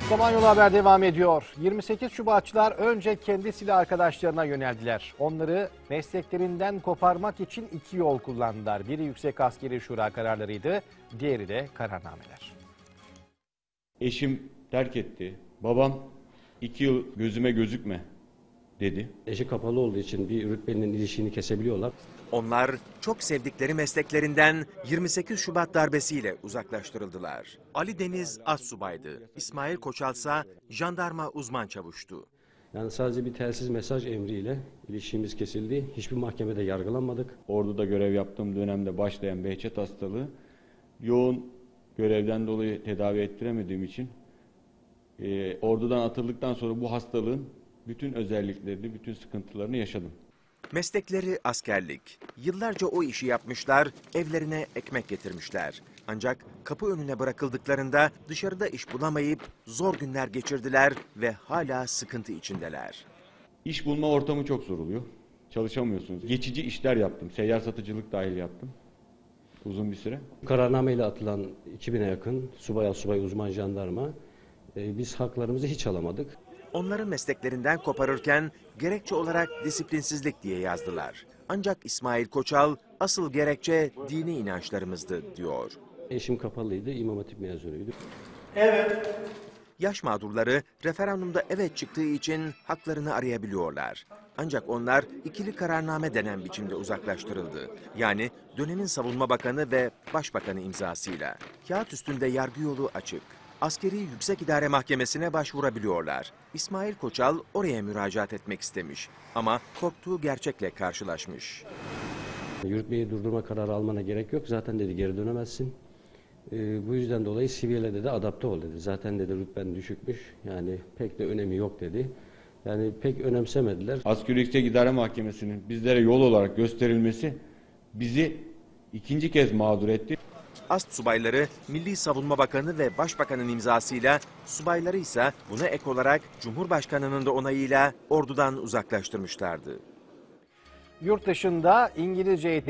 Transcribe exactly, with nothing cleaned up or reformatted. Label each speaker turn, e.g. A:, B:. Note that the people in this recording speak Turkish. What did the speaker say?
A: Samanyolu Haber devam ediyor. yirmi sekiz Şubatçılar önce kendi silah arkadaşlarına yöneldiler. Onları mesleklerinden koparmak için iki yol kullandılar. Biri Yüksek Askeri Şura kararlarıydı, diğeri de kararnameler.
B: Eşim terk etti. Babam iki yıl gözüme gözükme dedi.
C: Eşi kapalı olduğu için bir rütbenin ilişiğini kesebiliyorlar.
D: Onlar çok sevdikleri mesleklerinden yirmi sekiz Şubat darbesiyle uzaklaştırıldılar. Ali Deniz astsubaydı. İsmail Koçalsa jandarma uzman çavuştu.
C: Yani sadece bir telsiz mesaj emriyle ilişkimiz kesildi. Hiçbir mahkemede yargılanmadık.
B: Ordu'da görev yaptığım dönemde başlayan Behçet hastalığı yoğun görevden dolayı tedavi ettiremediğim için e, ordudan atıldıktan sonra bu hastalığın bütün özelliklerini, bütün sıkıntılarını yaşadım.
D: Meslekleri askerlik. Yıllarca o işi yapmışlar, evlerine ekmek getirmişler. Ancak kapı önüne bırakıldıklarında dışarıda iş bulamayıp zor günler geçirdiler ve hala sıkıntı içindeler.
B: İş bulma ortamı çok zor oluyor. Çalışamıyorsunuz. Geçici işler yaptım. Seyyar satıcılık dahil yaptım. Uzun bir süre.
C: Kararnameyle atılan iki bine yakın subay, asubay, uzman, jandarma e, biz haklarımızı hiç alamadık.
D: Onların mesleklerinden koparırken gerekçe olarak disiplinsizlik diye yazdılar. Ancak İsmail Koçal asıl gerekçe dini inançlarımızdı diyor.
C: Eşim kapalıydı, İmam Hatip mezunuydu.
D: Evet. Yaş mağdurları referandumda evet çıktığı için haklarını arayabiliyorlar. Ancak onlar ikili kararname denen biçimde uzaklaştırıldı. Yani dönemin Savunma Bakanı ve Başbakanı imzasıyla. Kağıt üstünde yargı yolu açık. Askeri Yüksek İdare Mahkemesi'ne başvurabiliyorlar. İsmail Koçal oraya müracaat etmek istemiş ama korktuğu gerçekle karşılaşmış.
C: Yürütmeyi durdurma kararı almana gerek yok. Zaten dedi geri dönemezsin. Ee, bu yüzden dolayı sivile dedi adapte ol dedi. Zaten dedi rütben düşükmüş. Yani pek de önemi yok dedi. Yani pek önemsemediler.
B: Askeri Yüksek İdare Mahkemesi'nin bizlere yol olarak gösterilmesi bizi ikinci kez mağdur etti.
D: Astsubayları Milli Savunma Bakanı ve Başbakanın imzasıyla, subayları ise buna ek olarak Cumhurbaşkanı'nın da onayıyla ordudan uzaklaştırmışlardı.
A: Yurt dışında İngilizce eğitim